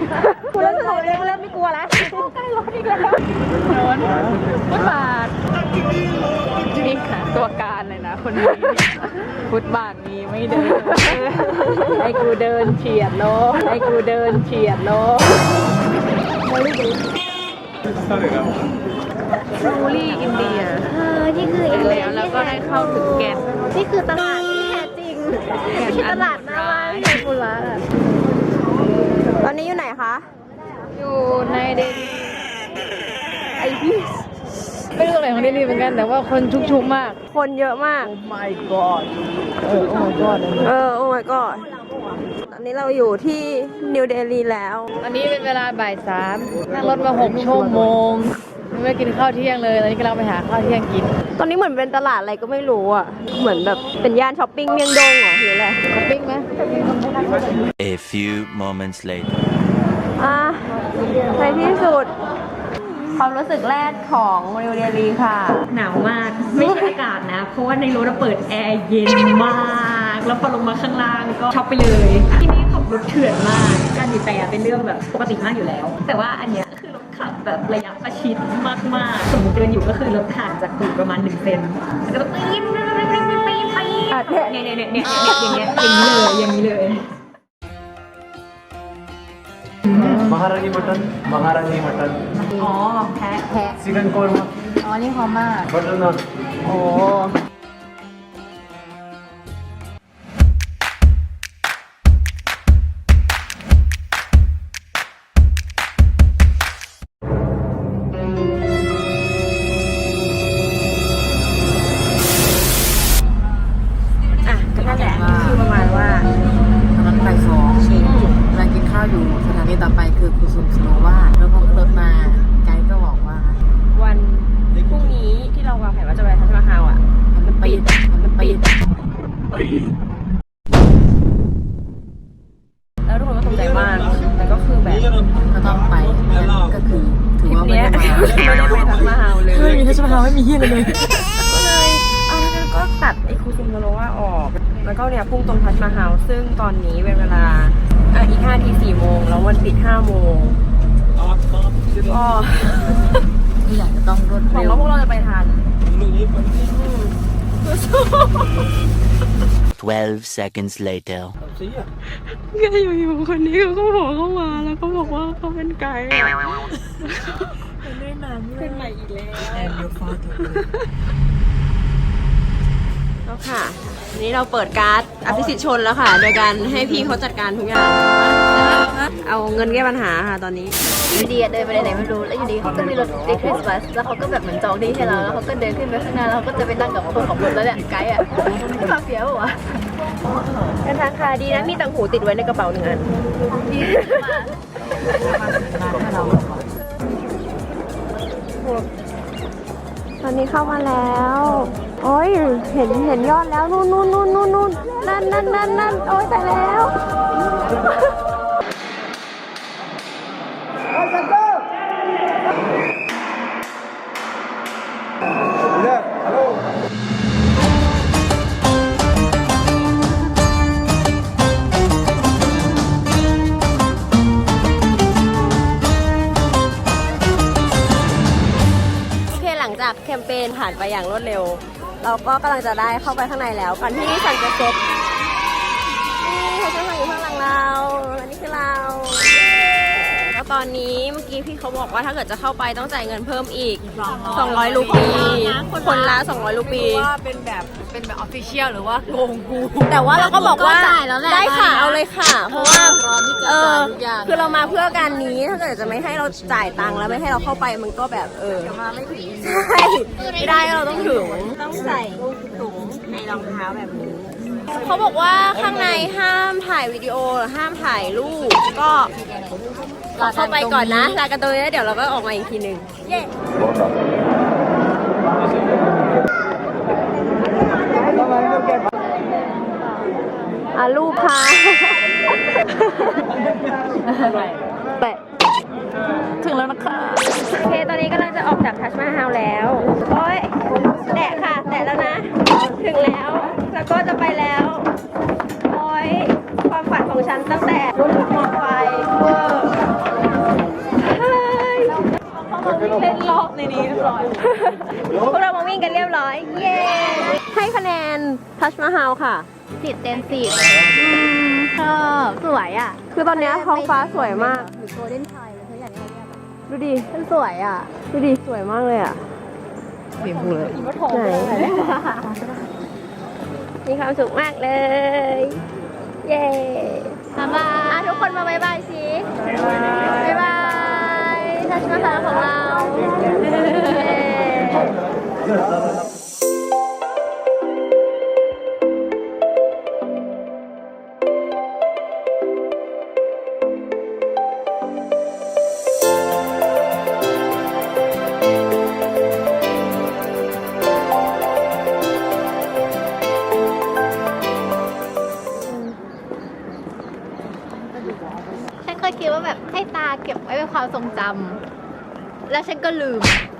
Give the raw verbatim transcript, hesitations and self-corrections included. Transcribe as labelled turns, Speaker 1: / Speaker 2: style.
Speaker 1: คุณเริ่มเริ่มเริ่มไม่กลัวแล้วใกล้รถอีกแล้วโดนฟุตบาทนี่ค่ะตัวการเลยนะคนนี้ฟุตบาทนี้ไม่เดินให้กูเดินเฉียดโลให้กูเดินเฉียดโลรูลี่อินเดียเออนี่คืออินเดียแล้วก็ได้เข้าถึงแกนนี่คือตลาดที่แท้จริงไม่ใช่ตลาดหน้าบ้านที่กุลาตอนนี้อยู่ไหนคะอยู่ในเดลีไอพี่ไม่รู้ตรงไหนของเดลีเหมือนกันแต่ว่าคนชุกๆมากคนเยอะมาก
Speaker 2: Oh my god เออ Oh my god
Speaker 1: เออ Oh my god ตอนนี้เราอยู่ที่นิวเดลีแล้วตอนนี้เป็นเวลาบ่ายสามนั่งรถมาหกชั่วโมงไม่กินข้าวเที่ยงเลยตอนนี้กำลังไปหาข้าวเที่ยงกินตอนนี้เหมือนเป็นตลาดอะไรก็ไม่รู้อ่ะเหมือนแบบเป็นย่านช้อปปิ้งเมียงดงเหรอหรืออะไรช้อปปิ้งไหม
Speaker 3: A few moments later
Speaker 1: อ่ะในที่สุดความรู้สึกแรกของนิวเดลีค่ะหนาวมากไม่ใช่อากาศนะเพราะว่าในรถเปิดแอร์เย็นมากแล้วพอลงมาข้างล่างก็ช็อปไปเลยที่นี่ขับรถเถื่อนมากการบีบแต่เป็นเรื่องแบบปกติมากอยู่แล้วแต่ว่าอันเนี้ยคือรถขับแบบระยะประชิดมากๆสมมติเดินอยู่ก็คือรถห่างจากตูดประมาณหนึ่งเซนแล้วก็ปี๊ดปี๊ดปี๊ดปี๊ดปี๊ดปี๊ดเนี่ยเนี่ยเนี่ยเนี่ยอย่างเงี้ยอย่างนี้เลยอย่างนี้เลย
Speaker 2: Maharani mutton Maharani mutton
Speaker 1: อ๋อแพ้แพ้
Speaker 2: chicken korma
Speaker 1: อ๋อนี่หอมมาก
Speaker 2: butter naan
Speaker 1: โอ้อ่ะก็นั่นแหละคือประมาณว่า
Speaker 4: ตอนนั้นบ่ายสองกำลังกินข้าวอยู่สถานีต่อไปคือกุสุมสโนวาแล้วพอขึ้นรถมาไกด์ก็บอกว่า
Speaker 1: วันพรุ่งนี้ที่เราวางแผนว่าจะไปทัชมาฮาลอ่ะ
Speaker 4: มันปิดมันปิด
Speaker 1: แล้วทุกคนก็ตกใจมากแต่ก็คือแบบ
Speaker 4: ก็ต้องไปก็คือถือ
Speaker 1: ทริป
Speaker 4: ว่าไม่
Speaker 1: เนี้ย
Speaker 4: ได้มา
Speaker 1: ไม่ได้ไปทัชมาฮาลเลย
Speaker 4: ไม่มีทัชมาฮาลไม่มีเฮียเลย
Speaker 1: ก็เลยเอาแล้วงั้นก็ตัดไอ้คูซุมโนโรวาออกแล้วก็เนี่ยพุ่งตรงทัชมาฮาลซึ่งตอนนี้เป็นเวลาอ่ะอีกห้าทีสี่โมงแล้ววันปิดห้าโมงก็
Speaker 4: ที่อยากจะต้องรวด
Speaker 1: หวัง
Speaker 4: เร็ว
Speaker 1: ว่าพวกเราจะไปทัน
Speaker 3: twelve seconds later
Speaker 1: ก็อยู่ๆคนนี้เขาก็บอกเข้ามาแล้วก็บอกว่าเขาเป็นไกด์เป็นใหม่อีกแล้ว
Speaker 4: แอนยูฟอร์
Speaker 1: แล้วค่ะนี้เราเปิดการ์ดอภิสิทธิ์ชนแล้วค่ะ โดยการให้พี่เขาจัดการทุกอย่างเอาเงินแก้ปัญหาค่ะตอนนี้อยู่ดีเดินไปไหนไม่รู้แล้วอยู่ดีเขาก็มีรถเด็กคริสต์มาสแล้วเขาก็แบบเหมือนจองที่ให้เราแล้วเขาก็เดินขึ้นไปข้างหน้าแล้วเขาก็จะไปนั่งกับคนขับรถแล้วเนี่ยไกด์อ่ะมาเฟียวอ่ะเป็นทางค่ะดีนะมีตังหูติดไว้ในกระเป๋าหนึ่งอันตอนนี้เข้ามาแล้วโอ้ยเห็นเห็นยอดแล้วนู่นนู่นนู่นนู่นนู่นนั่นนั่นนั่นนั่นโอ้ยตายแล้วแคมเปญผ่านไปอย่างรวดเร็วเราก็กำลังจะได้เข้าไปข้างในแล้วก่อนที่สันจะเซ็ตนี่เขาจะมาอยู่ข้างหลังเราอันนี้คือเราแล้วตอนนี้เมื่อกี้พี่เขาบอกว่าถ้าเกิดจะเข้าไปต้องจ่ายเงินเพิ่มอีกสองร้อยรูปีคนละสองร้อยรูปี
Speaker 4: ว่าเป็นแบบเป็นแบบออฟฟิเชียลหรือว่าโกงกู
Speaker 1: แต่ว่าเราก็บอกว่าได้ค่ะเอาเลยค่ะเพราะว่าเออคือเรามาเพื่อการนี้ถ้าเกิดจะไม่ให้เราจ่ายตังค์แล้วไม่ให้เราเข้าไปมันก็แบบเออมาไม่ถึงใช่ไม่ได้เราต้องถึงต้องใส่ถุงในรองเท้าแบบนี้เขาบอกว่าข้างในห้ามถ่ายวิดีโอห้ามถ่ายรูปก็เข้าไปก่อนนะลากันตัวนี้เดี๋ยวเราก็ออกมาอีกทีหนึ่งเย้อาลูกค่ะแปะถึงแล้วนะคะโอเคตอนนี้กำลังจะออกจากทัชมาฮาลแล้วโอ้ยแตะค่ะแตะแล้วนะถึงแล้วแล้วก็จะไปแล้วโอ้ยความฝันของฉันตั้งแต่รุ่นมอไฟเวอร์เล่นรอบในนี้เรียบร้อย พวกเรามาวิ่งกันเรียบร้อย เย้ ให้คะแนนทัชมาฮาลค่ะ
Speaker 5: สิบเต็มสิบชอบสวยอ่ะ
Speaker 1: คือตอนเนี้ยท้องฟ้าสวยมาก
Speaker 5: หรือโกลเด้นไทยเลยเขาอยากให้เรียกอะ
Speaker 1: ดูดิ
Speaker 5: มันสวยอ่ะ
Speaker 1: ดูดิ สวยมากเลยอ่ะ
Speaker 4: เปลี่ยนพูเลย
Speaker 1: ไหน มีความสุขมากเลย เย้
Speaker 5: บ๊ายบายทุกคนมาบ๊ายบายสิบ๊ายบายทัชมาฮาลของเราเย้ ฉันเคยคิดว่าแบบให้ตาเก็บไว้เป็นความทรงจำ แล้วฉันก็ลืม